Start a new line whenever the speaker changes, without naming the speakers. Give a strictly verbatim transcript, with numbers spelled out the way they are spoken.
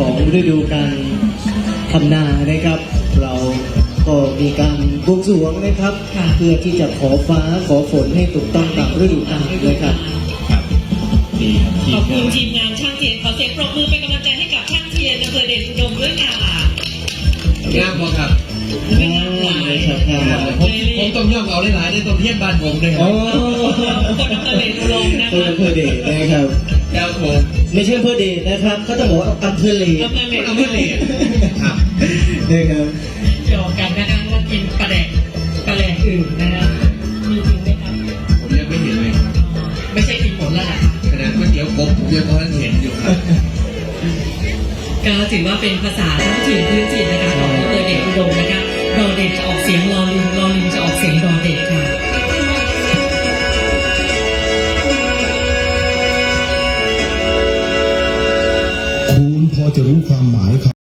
ของฤดูกาลทำนานะครับเราก็มีการบวงสรวงนะครับเพื่อที่จะขอฟ้าขอฝนให้ถูกต้องตามฤดูกาลนะครับ
ครับดีครับ
ขอบคุณทีมงานช่างเทียนขอเสียงปรบมือเป็นกำลังใจให้กับช่างเทียนอำเภอเดชอุดมด้วยค่ะ
งามพอครับ
ไม่งามหลาย
ผมผมต้องย่อมเอาหลายๆในตัวเทียนบ้านผมเลยครับ
คนอำเภอเดชอุดมนะ
คนอำเภอเดชนะครับ
แล้วผม
ไม่ใช่อำเภอเดชนะครับเขาต้องบอกว่าอำเภอเล
อำเภอเล
อำเภอเลครับ
นะครับ
เกี่ยวกันนะคะว่ากินปลาแดกปลาแดกอื่นนะคะมีจริงไหมครับ
ผมยังไม่เห็นเลยครับ
ไม่ใช่กินผลแล้วล่ะ
ขนาดก๋วยเตี๋ยวกบผมยังพอเห็นอยู่ครับ
ก็ถือว่าเป็นภาษาท้องถิ่นพื้นถิ่นนะคะของอำเภอเดชอุดมนะคะดอเด็กจะออกเสียงลอลิงลอลิงจะออกเสียงดอเด็กค่ะ
คุณพอจะรู้ความหมายครับ